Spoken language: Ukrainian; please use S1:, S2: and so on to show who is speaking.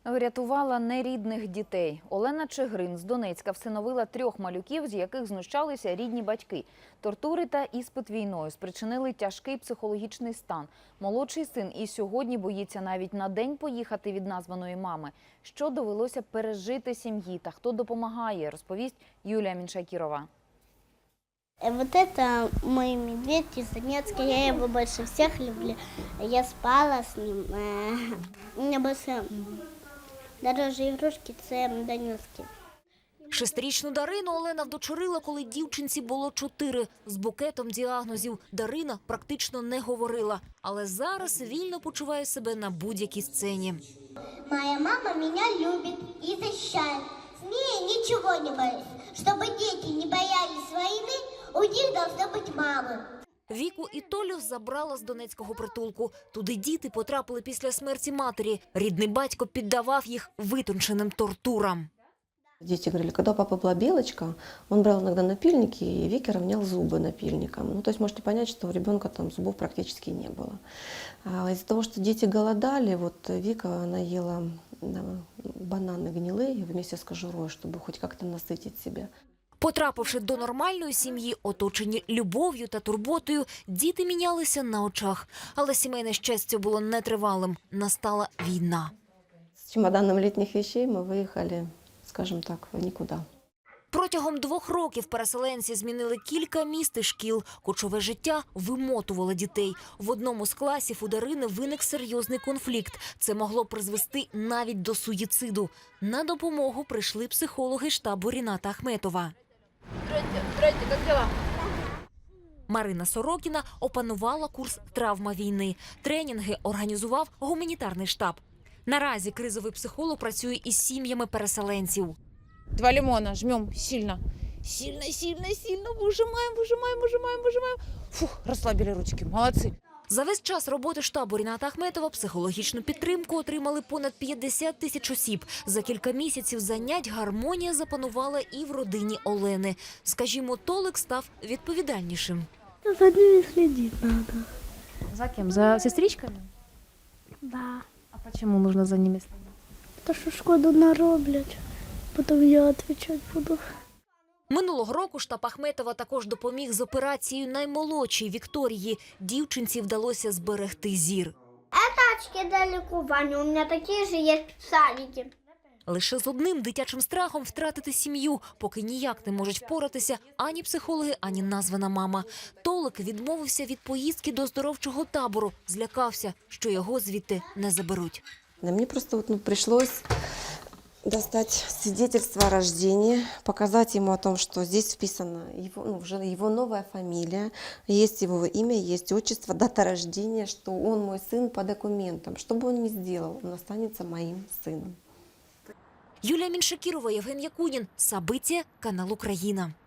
S1: Врятувала нерідних дітей. Олена Чигрин з Донецька всиновила 3 малюків, з яких знущалися рідні батьки. Тортури та іспит війною спричинили тяжкий психологічний стан. Молодший син і сьогодні боїться навіть на день поїхати від названої мами. Що довелося пережити сім'ї та хто допомагає, розповість Юлія Міншакірова.
S2: Вот это мой медведь из Донецка, я его больше всех люблю. Я спала с ним. У меня больше дороже игрушки, це донецькі.
S3: 6-річну Дарину Олена вдочерила, коли дівчинці було 4. З букетом діагнозів Дарина практично не говорила. Але зараз вільно почуває себе на будь-якій сцені.
S2: Моя мама меня любит и защищает. С ней ничего не боюсь. Чтобы дети не боялись войны, у них должна быть мама.
S3: Віку і Толю забрала з донецького притулку. Туди діти потрапили після смерті матері. Рідний батько піддавав їх витонченим тортурам.
S4: Дети говорили, когда у папы была белочка, он брал иногда напильники и Вике равнял зубы напильником. Ну, то есть можете понять, что у ребенка там зубов практически не было. Из-за того, что дети голодали, вот Вика, она ела бананы гнилые вместе с кожурой, чтобы хоть как-то насытить себя.
S3: Потрапивши до нормальної сім'ї, оточені любов'ю та турботою, діти мінялися на очах. Але сімейне щастя було нетривалим. Настала війна.
S4: С чемоданом летних вещей мы выехали, скажем так, в никуда.
S3: Протягом 2 років переселенці змінили кілька міст і шкіл. Кочове життя вимотувало дітей. В одному з класів у Дарини виник серйозний конфлікт. Це могло призвести навіть до суїциду. На допомогу прийшли психологи штабу Ріната Ахметова.
S5: Здрасте, как дела?
S3: Марина Сорокіна опанувала курс «Травма війни». Тренінги організував гуманітарний штаб. Наразі кризовий психолог працює із сім'ями переселенців.
S5: 2 лимона жмем сильно. Сильно, сильно, сильно. Выжимаем, выжимаем, выжимаем, выжимаем. Фух, расслабили ручки. Молодцы.
S3: За весь час роботи штабу Ріната Ахметова психологічну підтримку отримали понад 50 тисяч осіб. За кілька місяців занять гармонія запанувала і в родині Олени. Скажімо, Толик став відповідальнішим.
S2: За ними следить надо.
S6: За кем? За сестричками?
S2: Да.
S6: А почему нужно за ними следить?
S2: То, що шкоду нароблять, потім я відповідати буду.
S3: Минулого року штаб Ахметова також допоміг з операцією наймолодшій Вікторії. Дівчинці вдалося зберегти зір.
S2: Очки для лікування, у мене такі ж є в садику.
S3: Лише з одним дитячим страхом втратити сім'ю, поки ніяк не можуть впоратися ані психологи, ані названа мама. Толик відмовився від поїздки до оздоровчого табору, злякався, що його звідти не заберуть.
S4: Мне просто пришлось достать свидетельство о рождении, показать ему о том, что здесь вписана его новая фамилия, есть его имя, есть отчество, дата рождения, что он мой сын по документам. Что бы он ни сделал, он останется моим сыном.
S3: Юлія Міншакірова, Євген Якунін. Сабиття, канал «Україна».